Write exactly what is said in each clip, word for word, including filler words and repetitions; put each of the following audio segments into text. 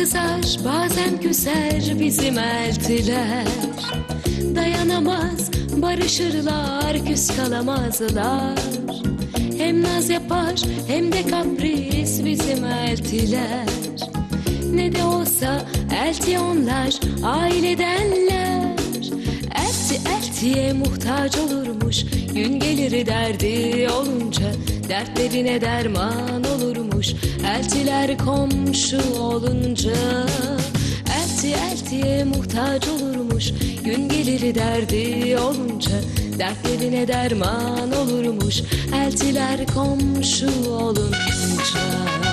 kızar, bazen küser bizim eltiler. Dayanamaz, barışırlar, küs kalamazlar. Hem naz yapar, hem de kapris bizim eltiler. Ne de olsa elti onlar, ailedenler. Elti eltiye muhtaç olurmuş, gün gelir derdi olunca. Dertlerine derman olurmuş, eltiler komşu olunca. Elti eltiye muhtaç olurmuş, gün gelir derdi olunca. Dertlerine derman olurmuş, eltiler komşu olunca.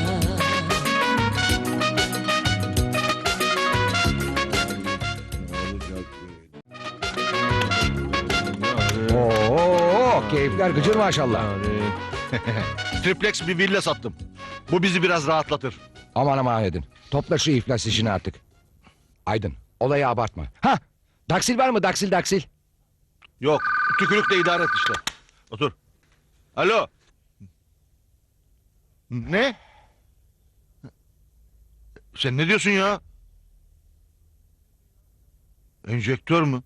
Oo, keyifler gıcır maşallah. Triplex bir villa sattım. Bu bizi biraz rahatlatır. Aman aman Aydın. Topla şu iflas işini artık. Aydın, olayı abartma. Ha, daksil var mı? Daksil daksil. Yok, tükürükle idare et işte. Otur. Alo. Ne? Sen ne diyorsun ya? Enjektör mü?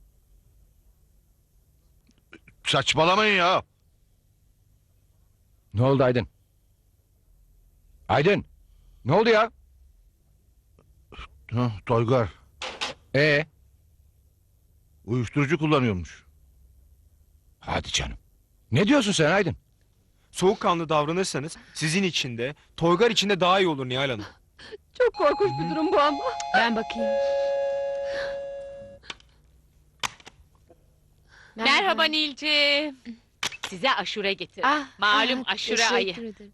Saçmalamayın ya. Ne oldu Aydın? Aydın, ne oldu ya? Ha, Toygar, Ee, uyuşturucu kullanıyormuş. hadi canım. Ne diyorsun sen Aydın? Soğukkanlı davranırsanız sizin için de Toygar için de daha iyi olur Nihal Hanım. Çok korkunç bir durum bu ama. Ben bakayım. Merhaba Nilciğim. Size aşure getirdim. Ah, Malum ah, aşure ayı. teşekkür ederim.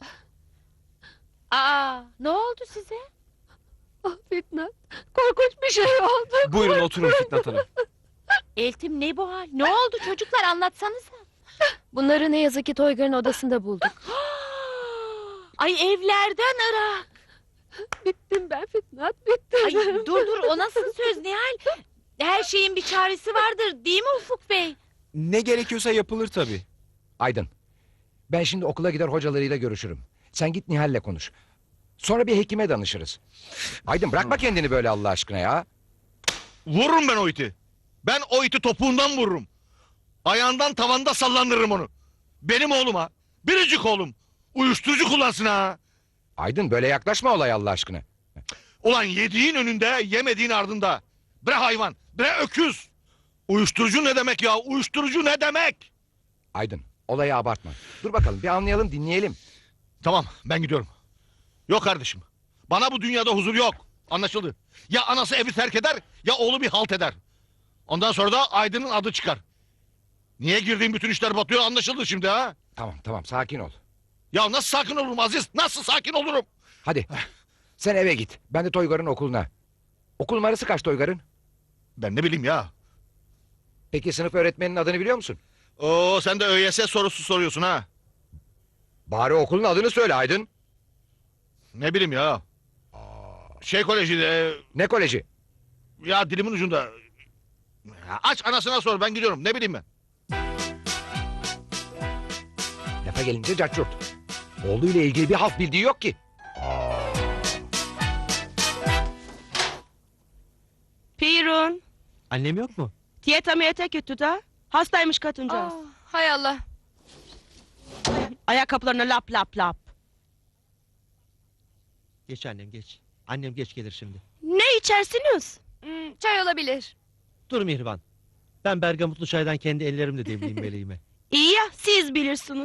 Aa, ne oldu size? Ah Fitnat, korkunç bir şey oldu. Buyurun oturun Fitnat Hanım. Eltim ne bu hal? Ne oldu çocuklar, anlatsanıza. Bunları ne yazık ki Toygar'ın odasında bulduk. Ay evlerden Irak. Bittim ben Fitnat, bittim. Ay dur dur, o nasıl söz Nihal? Her şeyin bir çaresi vardır değil mi Ufuk Bey? Ne gerekiyorsa yapılır tabii. Aydın, ben şimdi okula gider hocalarıyla görüşürüm. Sen git Nihal'le konuş. Sonra bir hekime danışırız. Aydın bırakma kendini böyle Allah aşkına ya. Vururum ben o iti. Ben o iti topuğundan vururum. Ayağından tavanda sallandırırım onu. Benim oğlum ha. Biricik oğlum. Uyuşturucu kullansın ha. Aydın böyle yaklaşma olaya Allah aşkına. Ulan yediğin önünde, yemediğin ardında. Bre hayvan, bre öküz. Uyuşturucu ne demek ya? Uyuşturucu ne demek? Aydın, olayı abartma. Dur bakalım bir anlayalım, dinleyelim. Tamam, ben gidiyorum. Yok kardeşim. Bana bu dünyada huzur yok. Anlaşıldı. Ya anası evi terk eder, ya oğlu bir halt eder. Ondan sonra da Aydın'ın adı çıkar. Niye girdiğim bütün işler batıyor anlaşıldı şimdi ha? Tamam tamam sakin ol. Ya nasıl sakin olurum Aziz? Nasıl sakin olurum? Hadi sen eve git. Ben de Toygar'ın okuluna. Okul numarası kaç Toygar'ın? Ben ne bileyim ya. Peki sınıf öğretmeninin adını biliyor musun? Oo sen de ÖYS sorusu soruyorsun ha. Bari okulun adını söyle Aydın. Ne bileyim ya. Şey koleji de... Ne koleji? Ya dilimin ucunda. Ya aç anasına sor ben gidiyorum ne bileyim ben. Lafa gelince cacurt. Oğluyla ilgili bir halt bildiği yok ki. Pirun, Annem yok mu? diyet ameliyata kötü da. Hastaymış kadıncağız. Hay Allah. Ayakkabılarına lap lap lap. Geç annem geç. Annem geç gelir şimdi. Ne içersiniz? Hmm, çay olabilir. Dur Mihriban. Ben bergamotlu çaydan kendi ellerimle demleyeyim meleğime. İyi ya, siz bilirsiniz.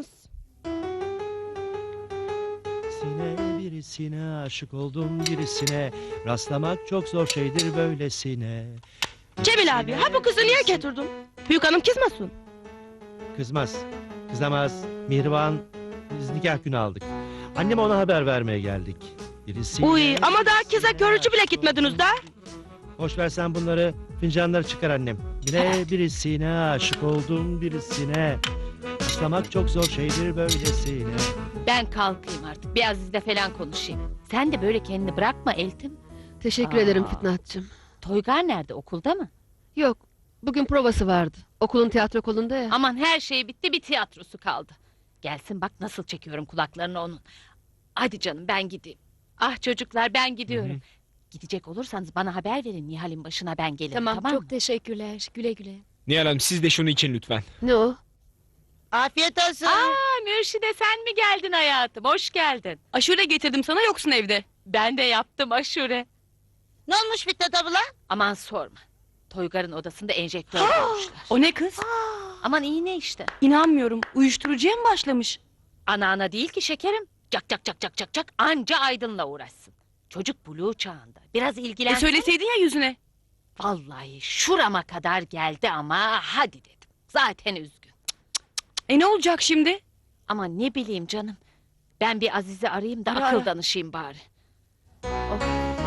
Sine birisine aşık oldum birisine. Rastlamak çok zor şeydir böylesine. Cemil abi, ha bu kızı niye getirdin? Büyük hanım kızmasın. Kızmaz. Kızamaz. Mihriban, biz nikah günü aldık. Anneme ona haber vermeye geldik. Birisine... Uy, ama daha kıza görücü bile gitmediniz da. Boş ver sen bunları. Fincanları çıkar annem. Bire birisine aşık oldum birisine. Rastlamak çok zor şeydir böylesine. Ben kalkayım artık, bir Aziz'le falan konuşayım. Sen de böyle kendini bırakma Eltim. Teşekkür Aa. ederim Fitnatçığım. Toygar nerede, okulda mı? Yok, bugün provası vardı. Okulun tiyatro kolunda ya. Aman her şey bitti, bir tiyatrosu kaldı. Gelsin bak nasıl çekiyorum kulaklarını onun. Hadi canım ben gideyim. Ah çocuklar ben gidiyorum. Hı hı. Gidecek olursanız bana haber verin, Nihal'in başına ben gelirim, tamam, Tamam, mı? çok teşekkürler. Güle güle. Nihal Hanım siz de şunu için lütfen. Ne o? Afiyet olsun. Aa, Mürşide sen mi geldin hayatım? Hoş geldin. Aşure getirdim sana, yoksun evde. Ben de yaptım aşure. Ne olmuş Fitnat abla? Aman sorma. Toygar'ın odasında enjektör bulmuşlar. O ne kız? Aman iğne işte. İnanmıyorum. Uyuşturucuya mı başlamış? Ana ana değil ki şekerim. Cak cak cak cak cak cak anca Aydın'la uğraşsın. Çocuk buluğ çağında. Biraz E ilgilensin. söyleseydin ya yüzüne. Vallahi şurama kadar geldi ama hadi dedim. Zaten üzgün. E ne olacak şimdi? Ama ne bileyim canım. Ben bir Aziz'i arayayım da Ara, akıl ara. danışayım bari. Oh.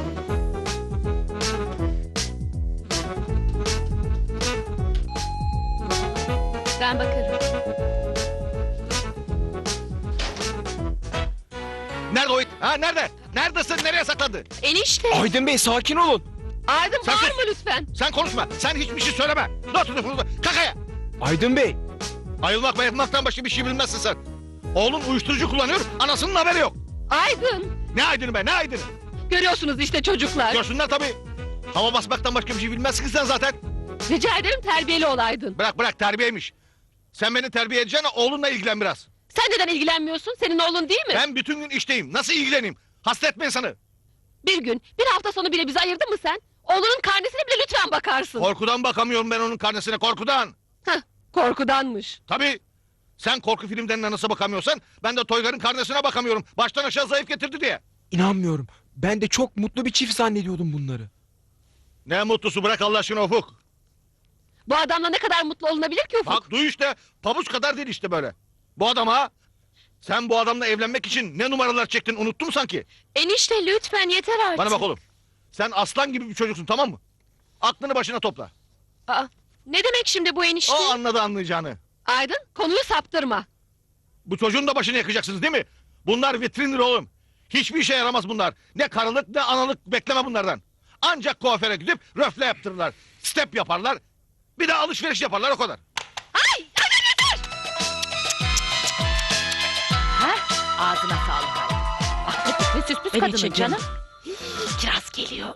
Ben bakarım. Nerede o it? Ha nerede? Neredesin? Nereye saklandı? Enişte. Aydın Bey sakin olun. Aydın Sen sus. bağırma lütfen. Sen konuşma. Sen hiçbir şey söyleme. Dur dur dur. Kakaya. Aydın Bey. Ayılmak bayılmaktan başka bir şey bilmezsin sen. Oğlun uyuşturucu kullanıyor. Anasının haberi yok. Aydın. Ne aydını be ne aydını? Görüyorsunuz işte çocuklar. Görsünler tabii. Hava basmaktan başka bir şey bilmezsin ki sen zaten. Rica ederim terbiyeli ol Aydın. Bırak bırak terbiyeymiş. Sen beni terbiye edeceksin, oğlunla ilgilen biraz. Sen neden ilgilenmiyorsun? Senin oğlun değil mi? Ben bütün gün işteyim. Nasıl ilgileneyim? Hasta etme insanı. Bir gün, bir hafta sonu bile bizi ayırdın mı sen? Oğlunun karnesine bile lütfen bakarsın. Korkudan bakamıyorum ben onun karnesine, korkudan. Heh, korkudanmış. Tabii. Sen korku filmlerine nasıl bakamıyorsan ben de Toygar'ın karnesine bakamıyorum. Baştan aşağı zayıf getirdi diye. İnanmıyorum. Ben de çok mutlu bir çift zannediyordum bunları. Ne mutlusu, bırak Allah aşkına Ufuk. Bu adamla ne kadar mutlu olunabilir ki Ufuk? Bak duy işte, pabuç kadar değil işte böyle. Bu adam ha. Sen bu adamla evlenmek için ne numaralar çektin, unuttun mu sanki? Enişte lütfen yeter artık. Bana bak oğlum. Sen aslan gibi bir çocuksun, tamam mı? Aklını başına topla. Aa, ne demek şimdi bu enişte? O anladı anlayacağını. Aydın konuyu saptırma. Bu çocuğun da başını yakacaksınız değil mi? Bunlar vitrindir oğlum. Hiçbir işe yaramaz bunlar. Ne karılık ne analık bekleme bunlardan. Ancak kuaföre gidip röfle yaptırırlar. Step yaparlar. Bir de alışveriş yaparlar, o kadar. Ay, ay yeter! Ha? Ağzına sağlık Aydın. Ah, ne süs püs Ben kadının içeceğim. canım. Hii, Kiraz geliyor.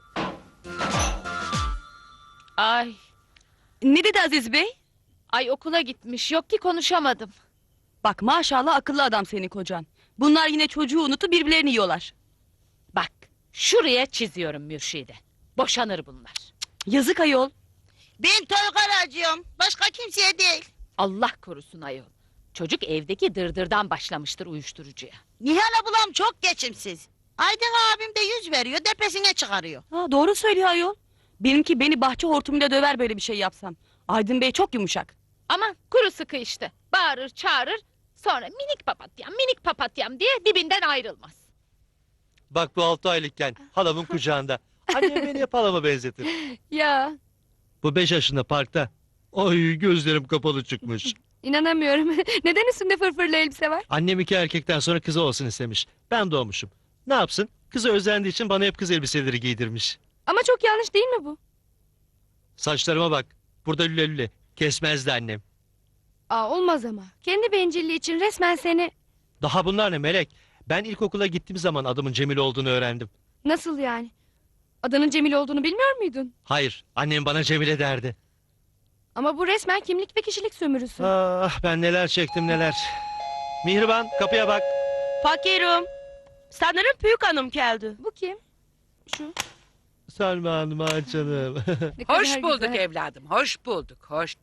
Ay, Ne dedi Aziz Bey? ay okula gitmiş. Yok ki konuşamadım. Bak maşallah akıllı adam senin kocan. Bunlar yine çocuğu unutup birbirlerini yiyorlar. Bak, şuraya çiziyorum Mürşide. Boşanır bunlar. Yazık ayol. Ben Toygar'a acıyorum. Başka kimseye değil. Allah korusun ayol. Çocuk evdeki dırdırdan başlamıştır uyuşturucuya. Nihal ablam çok geçimsiz. Aydın abim de yüz veriyor, tepesine çıkarıyor. Ha, doğru söylüyor ayol. Benimki beni bahçe hortumuyla döver böyle bir şey yapsam. Aydın Bey çok yumuşak. Aman kuru sıkı işte. Bağırır çağırır. Sonra minik papatyam minik papatyam diye dibinden ayrılmaz. Bak bu altı aylıkken halamın kucağında. Annem beni hep halama benzetir. Ya Bu beş yaşında parkta. Ay gözlerim kapalı çıkmış. inanamıyorum. Neden üstünde fırfırlı elbise var? Annem iki erkekten sonra kızı olsun istemiş. Ben doğmuşum. Ne yapsın? Kızı özendiği için bana hep kız elbiseleri giydirmiş. Ama çok yanlış değil mi bu? Saçlarıma bak. Burada lüle lüle. Kesmezdi annem. Aa, olmaz ama. Kendi bencilliği için resmen seni... Daha bunlar ne Melek? Ben ilkokula gittiğim zaman adımın Cemil olduğunu öğrendim. Nasıl yani? Adının Cemil olduğunu bilmiyor muydun? Hayır, annem bana Cemile derdi. Ama bu resmen kimlik ve kişilik sömürüsü. Ah ben neler çektim neler. Mihriban kapıya bak. Fakirim. Sanırım büyük hanım geldi. Bu kim? Şu. Selma Hanım ah canım. Ne kadar Hoş bulduk güzel. evladım, hoş bulduk, hoş.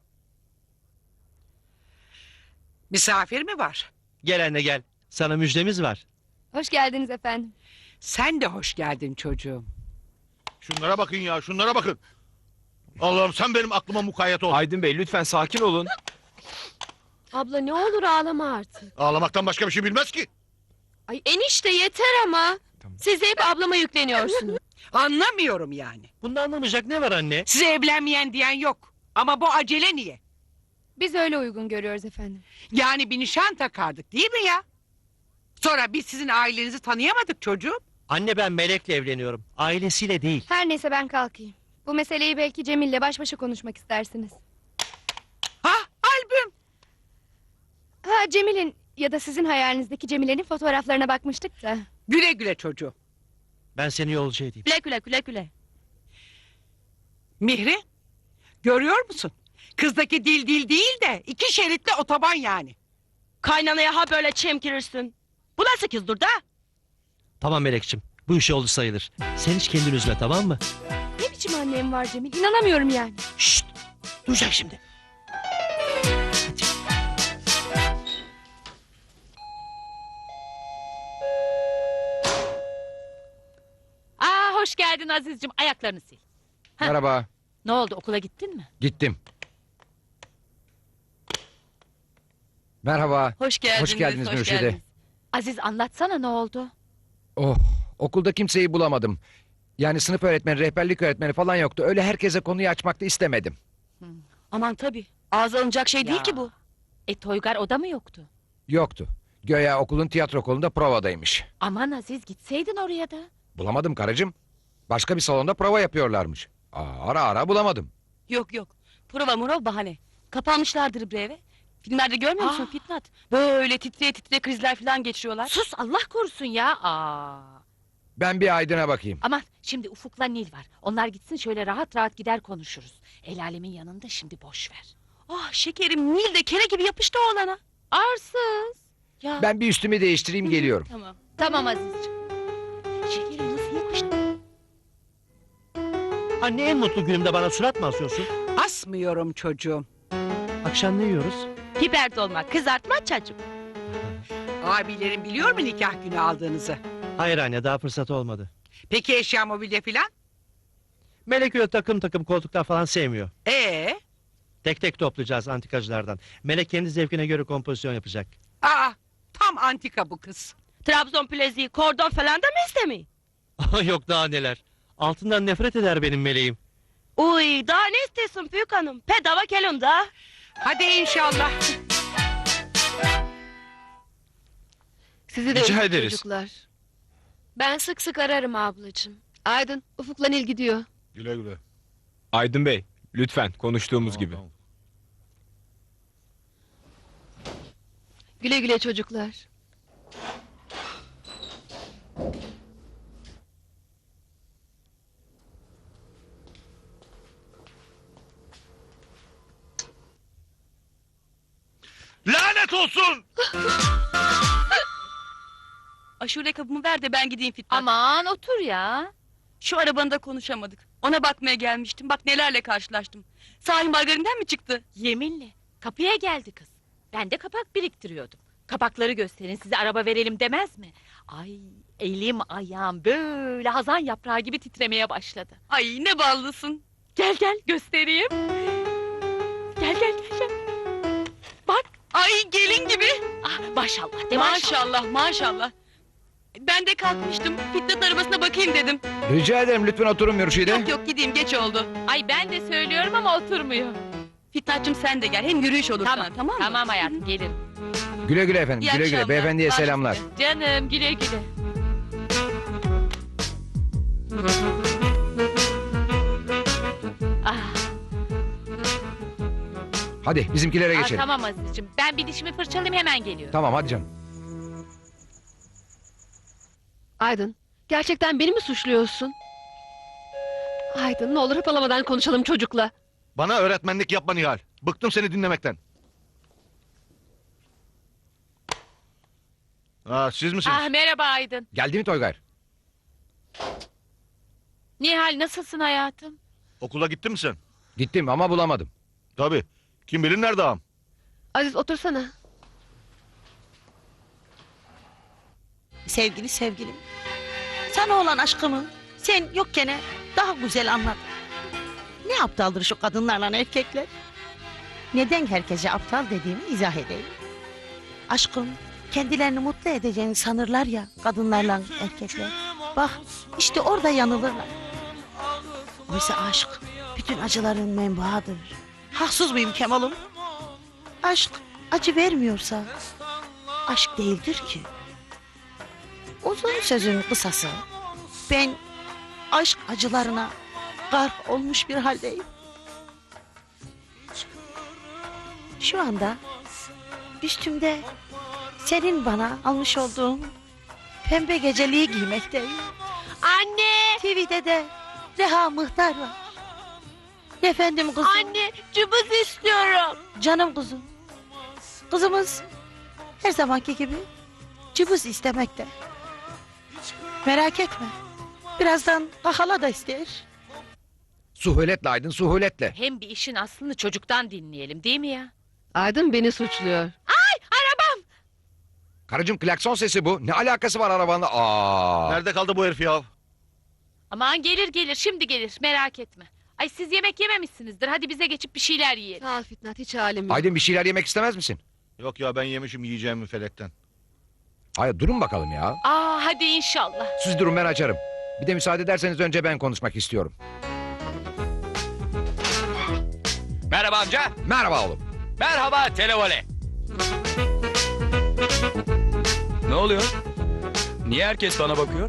Misafir mi var? Gel anne gel. Sana müjdemiz var. Hoş geldiniz efendim. Sen de hoş geldin çocuğum. Şunlara bakın ya, şunlara bakın. Allah'ım sen benim aklıma mukayyet ol. Aydın Bey lütfen sakin olun. Abla ne olur ağlama artık. Ağlamaktan başka bir şey bilmez ki. Ay enişte yeter ama. Tamam. Siz de hep ablama yükleniyorsunuz. Anlamıyorum yani. Bunda anlamayacak ne var anne? Size evlenmeyen diyen yok. Ama bu acele niye? Biz öyle uygun görüyoruz efendim. Yani bir nişan takardık değil mi ya? Sonra biz sizin ailenizi tanıyamadık çocuğum. Anne ben Melek'le evleniyorum. Ailesiyle değil. Her neyse ben kalkayım. Bu meseleyi belki Cemil'le baş başa konuşmak istersiniz. Ha albüm. Ha Cemil'in ya da sizin hayalinizdeki Cemile'nin fotoğraflarına bakmıştık da. Güle güle çocuğum. Ben seni yolcu edeyim. Güle güle güle güle. Mihri, görüyor musun? Kızdaki dil dil değil de iki şeritli otoban yani. Kaynanaya ha böyle çemkirirsin. Bu nasıl kızdır da? Tamam Melekçim. Bu iş oldu sayılır. Sen hiç kendini üzme, tamam mı? Ne biçim annem var Cemil? İnanamıyorum yani. Şşt! Duyacak şimdi. Aa, hoş geldin Aziz'cim. Ayaklarını sil. Heh. Merhaba. Ne oldu, okula gittin mi? Gittim. Merhaba. Hoş geldiniz. Hoş geldiniz Mürşide. Aziz, anlatsana ne oldu? Oh, okulda kimseyi bulamadım. Yani sınıf öğretmeni, rehberlik öğretmeni falan yoktu. Öyle herkese konuyu açmak da istemedim. Aman tabii. Ağza alınacak şey değil Ya. ki bu. E Toygar o da mı yoktu? Yoktu. Göya okulun tiyatro kolunda provadaymış. Aman Aziz, gitseydin oraya da. Bulamadım karıcığım. Başka bir salonda prova yapıyorlarmış. Aa, ara ara bulamadım. Yok yok. Prova murov bahane. Kapanmışlardır bir eve. Filmlerde görmüyor musun Aa. Fitnat? Böyle titreye titreye krizler falan geçiriyorlar. Sus, Allah korusun ya. Aa. Ben bir Aydın'a bakayım. Aman, şimdi Ufuk'la Nil var. Onlar gitsin, şöyle rahat rahat gider konuşuruz. El alemin yanında şimdi boş ver. Ah şekerim Nil de kere gibi yapıştı oğlana. Arsız. Ya. Ben bir üstümü değiştireyim geliyorum. Tamam. Tamam Aziz'ciğim. Şekerim nasıl yapıştı? Anne, en mutlu günümde bana surat mı asıyorsun? Asmıyorum çocuğum. Akşam ne yiyoruz? Biber dolma, kızartma çacık. Abilerin biliyor mu nikah günü aldığınızı? Hayır anne, daha fırsat olmadı. Peki eşya mobilya filan? Melek öyle takım takım koltuklar falan sevmiyor. Ee? Tek tek toplayacağız antikacılardan. Melek kendi zevkine göre kompozisyon yapacak. Aa, tam antika bu kız. Trabzon plezi, kordon falan da mı istemiyor? Yok daha neler. Altından nefret eder benim meleğim. Uy daha ne istiyorsun büyük hanım? Pedava kelon da. Hadi inşallah. Sizi de Rica öptüm ederiz. çocuklar. Ben sık sık ararım ablacığım. Aydın, Ufuk'la Nil gidiyor. Güle güle. Aydın Bey, lütfen konuştuğumuz Tamam, gibi. tamam. Güle güle çocuklar. Lanet olsun! Aşure kabımı ver de ben gideyim Fitnat. Aman otur ya. Şu arabanı da konuşamadık. Ona bakmaya gelmiştim. Bak nelerle karşılaştım. Sahi margarinden mi çıktı? Yeminle. Kapıya geldi kız. Ben de kapak biriktiriyordum. Kapakları gösterin, size araba verelim demez mi? Ay, elim ayağım böyle hazan yaprağı gibi titremeye başladı. Ay ne ballısın. Gel gel göstereyim. Gel gel gel gel. Bak. Ay gelin gibi. Ah, maşallah de maşallah. Maşallah maşallah. Ben de kalkmıştım. Fitnat arabasına bakayım dedim. Rica ederim lütfen oturun Mürşide. Yok yok gideyim geç oldu. Ay ben de söylüyorum ama oturmuyor. Fitnat'cığım sen de gel. Hem yürüyüş olur. Tamam tamam mı? Tamam hayatım gelin. Güle güle efendim. İyi güle güle. akşamlar. Beyefendiye Baş selamlar. üstüne. Canım güle güle. Ah, Hadi bizimkilere ah, geçelim. tamam Aziz'cim. Ben bir dişimi fırçalayayım hemen geliyorum. Tamam hadi canım. Aydın, gerçekten beni mi suçluyorsun? Aydın, ne olur hırpalamadan konuşalım çocukla. Bana öğretmenlik yapma Nihal. Bıktım seni dinlemekten. Aa, siz misiniz? Ah merhaba Aydın. Geldi mi Toygar? Nihal nasılsın hayatım? Okula gittin mi sen? Gittim ama bulamadım. Tabii. Kim bilir nerede ağam? Aziz otursana. Sevgili sevgilim. Sana olan aşkımı sen yokken daha güzel anlat. Ne aptaldır şu kadınlarla erkekler? Neden herkese aptal dediğimi izah edeyim. Aşkım kendilerini mutlu edeceğini sanırlar ya kadınlarla erkekler. Bak işte orada yanılırlar. Oysa aşk bütün acıların menbaıdır. Haksız mıyım Kemal'ım? Aşk acı vermiyorsa aşk değildir ki. Uzun sözün kısası. Ben aşk acılarına garp olmuş bir haldeyim. Şu anda üstümde senin bana almış olduğun pembe geceliği giymekteyim. Anne! T V'de de Reha Mıhtar var. Efendim kızım. Anne, cıbız istiyorum. Canım kızım. Kızımız her zamanki gibi cıbız istemekte. Merak etme. Birazdan kahala da ister. Suhuletle Aydın, suhuletle. Hem bir işin aslını çocuktan dinleyelim değil mi ya? Aydın beni suçluyor. Karıcığım klakson sesi bu. Ne alakası var arabanla? Aa. Nerede kaldı bu herif ya? Aman gelir gelir şimdi gelir merak etme. Ay siz yemek yememişsinizdir hadi bize geçip bir şeyler yiyelim. Sağ ol Fitnat, hiç halim yok. Aydın bir şeyler yemek istemez misin? Yok ya ben yemişim yiyeceğimi felekten. Hayır durun bakalım ya. Aa hadi inşallah. Siz durun ben açarım. Bir de müsaade ederseniz önce ben konuşmak istiyorum. Merhaba amca. Merhaba oğlum. Merhaba televole. Ne oluyor? Niye herkes bana bakıyor?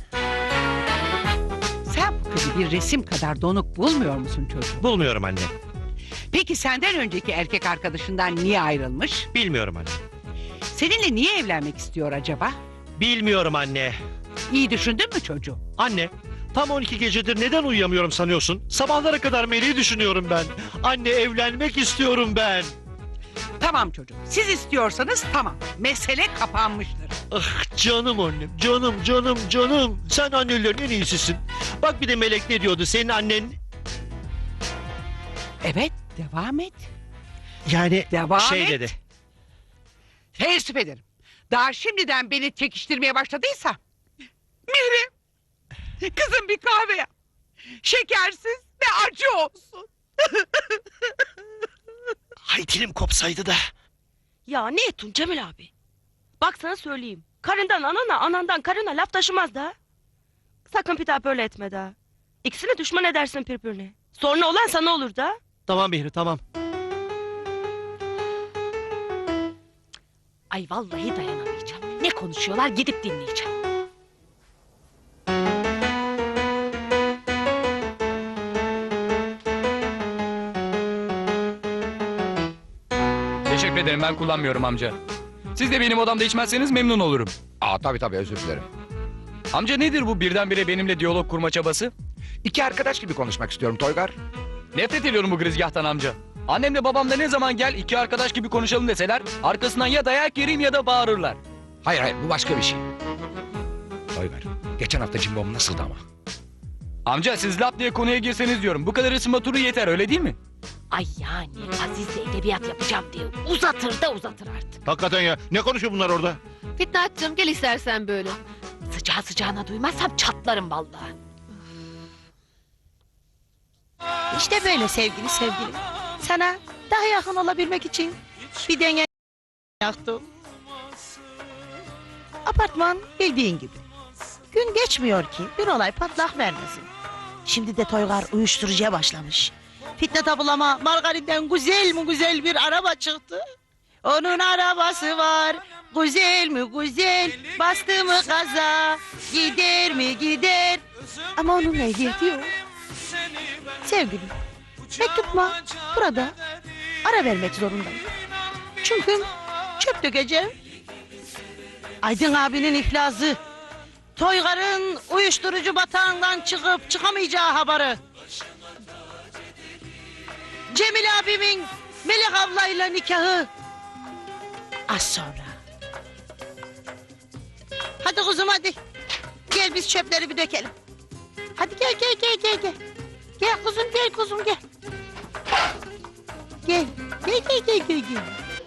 Sen bu kızı bir resim kadar donuk bulmuyor musun çocuğum? Bulmuyorum anne. Peki senden önceki erkek arkadaşından niye ayrılmış? Bilmiyorum anne. Seninle niye evlenmek istiyor acaba? Bilmiyorum anne. İyi düşündün mü çocuğum? Anne, tam on iki gecedir neden uyuyamıyorum sanıyorsun? Sabahlara kadar Melih'i düşünüyorum ben. Anne evlenmek istiyorum ben. Tamam çocuğum. Siz istiyorsanız tamam. Mesele kapanmıştır. Ah canım annem, canım, canım, canım. Sen annelerin en iyisisin. Bak bir de Melek ne diyordu, senin annen... Evet, devam et. Yani Devam şey et. dedi. Teessüf ederim. Daha şimdiden beni çekiştirmeye başladıysa... Mihri, kızım bir kahve yap. Şekersiz ve acı olsun. Hay dilim kopsaydı da. Ya ne ettin Cemil abi? Bak sana söyleyeyim. Karından anana, anandan karına laf taşımaz da. Sakın bir daha böyle etme da. İkisini düşman edersin birbirine. Sonra olan sana olur da. Tamam Mihri, tamam. Ay vallahi dayanamayacağım. Ne konuşuyorlar gidip dinleyeceğim. Teşekkür ederim ben kullanmıyorum amca. Siz de benim odamda içmezseniz memnun olurum. Aa tabii tabii özür dilerim. Amca nedir bu birdenbire benimle diyalog kurma çabası? İki arkadaş gibi konuşmak istiyorum Toygar. Nefret ediyorum bu girizgahtan amca. Annemle babam da ne zaman gel iki arkadaş gibi konuşalım deseler arkasından ya dayak yeriyim ya da bağırırlar. Hayır hayır bu başka bir şey. Toygar geçen hafta cimbom nasıldı ama? Amca siz lap diye konuya girseniz diyorum. Bu kadar ısınma turu yeter öyle değil mi? Ay yani Aziz'le edebiyat yapacağım diye uzatır da uzatır artık. Hakikaten ya. Ne konuşuyor bunlar orada? Fitnat'cığım gel istersen böyle. Sıcağı sıcağına duymazsam çatlarım vallahi. İşte böyle sevgili sevgilim. Sana daha yakın olabilmek için bir denge yaptım. Apartman bildiğin gibi. Gün geçmiyor ki bir olay patlak vermesin. Şimdi de Toygar uyuşturucuya başlamış. Fitnat ablama Margarit'ten güzel mi güzel bir araba çıktı. Onun arabası var, güzel mi güzel, bastı mı gaza, gider mi gider. Ama onun ehliyeti yok. Sevgilim, mektupma burada ara vermek zorundayım. Çünkü çöp dökeceğim. Aydın abinin iflası, Toygar'ın uyuşturucu batağından çıkıp çıkamayacağı haberi. Cemil abimin Melek ablayla nikahı az sonra. Hadi kuzum hadi. Gel biz çöpleri bir dökelim. Hadi gel gel gel gel gel. Gel kuzum gel kuzum gel. Gel gel gel gel gel. gel.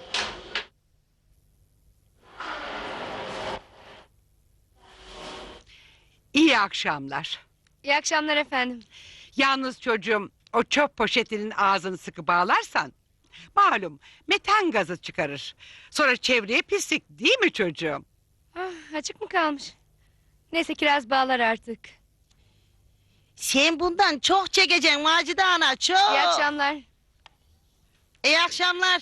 İyi akşamlar. İyi akşamlar efendim. Yalnız çocuğum o çöp poşetinin ağzını sıkı bağlarsan... ...malum metan gazı çıkarır. Sonra çevreye pislik değil mi çocuğum? Ah, açık mı kalmış? Neyse kiraz bağlar artık. Sen bundan çok çekeceksin Macide ana çok. İyi akşamlar. İyi akşamlar.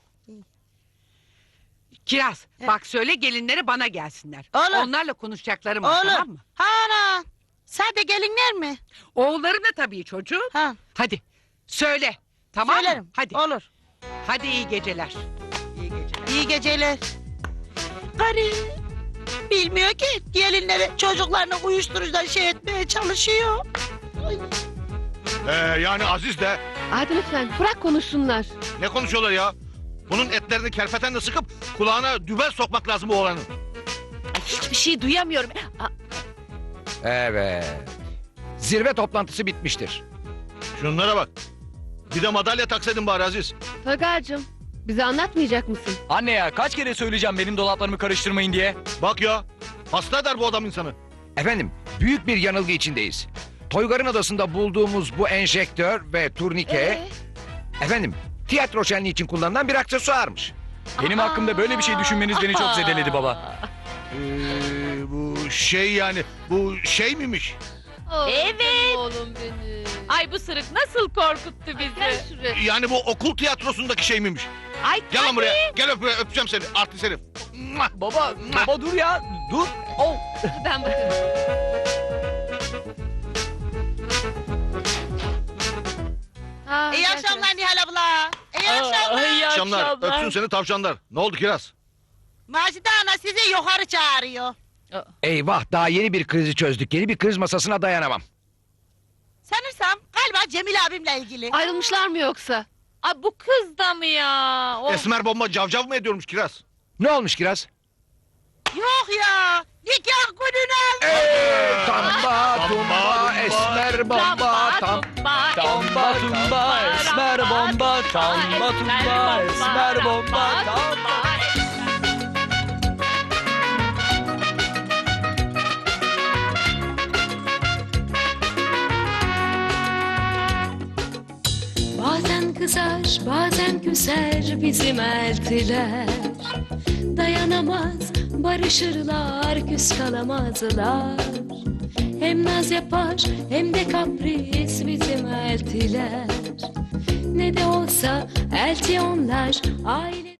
Kiraz bak söyle gelinlere bana gelsinler. Olur. Onlarla konuşacaklarım var Olur. tamam mı? Ha ana. Sade gelinler mi? Oğullarına tabii çocuğum. Ha. Hadi söyle tamam Söylerim. mı? Hadi. Olur. Hadi iyi geceler. İyi geceler. İyi geceler. Karı. Bilmiyor ki gelinleri çocuklarını uyuşturucudan şey etmeye çalışıyor. Ay. Ee, yani Aziz de Aydın lütfen bırak konuşsunlar. ne konuşuyorlar ya? Bunun etlerini kerpetenle sıkıp kulağına dübel sokmak lazım bu oğlanın. Ay, hiçbir şey duyamıyorum. Aa, Evet. Zirve toplantısı bitmiştir. Şunlara bak. Bir de madalya taksaydın bari Aziz. Toygar'cığım bize anlatmayacak mısın? Anne ya kaç kere söyleyeceğim benim dolaplarımı karıştırmayın diye. Bak ya. Hasta eder bu adam insanı. Efendim, büyük bir yanılgı içindeyiz. Toygar'ın adasında bulduğumuz bu enjektör ve turnike... Ee? Efendim, tiyatro şenliği için kullanılan bir aksesuarmış. Benim hakkımda böyle bir şey düşünmeniz beni çok zedeledi baba. Ee, bu şey yani bu şey miymiş? Evet. Oğlum benim. Ay bu sırık nasıl korkuttu bizi. Gel şuraya. Yani bu okul tiyatrosundaki şey miymiş? Ay Gel lan tabii. buraya. Gel öp, öpeceğim seni. Artist herif. Mua! Baba, baba dur ya. Dur. Oh. Ben bakarım. Ha, İyi gel akşamlar Nihal abla. İyi Aa, akşamlar. iyi Akşamlar. akşamlar. Öpsün seni tavşanlar. Ne oldu Kiraz? Macide ana sizi yukarı çağırıyor. Eyvah, daha yeni bir krizi çözdük. Yeni bir kriz masasına dayanamam. Sanırsam galiba Cemil abimle ilgili. Ayrılmışlar mı yoksa? Ay bu kız da mı ya? Of. Esmer bomba cavcav mı ediyormuş Kiraz? Ne olmuş Kiraz? Yok ya. Nikah gününe. Ee, tamba, tumba, esmer bomba, tam... tumba, Tamba tumba, esmer bomba, tamba tumba, esmer bomba, tamba. Bazen kızar, bazen küser bizim eltiler. Dayanamaz, barışırlar, küs kalamazlar. Hem naz yapar, hem de kapris bizim eltiler. Ne de olsa elti onlar, aile...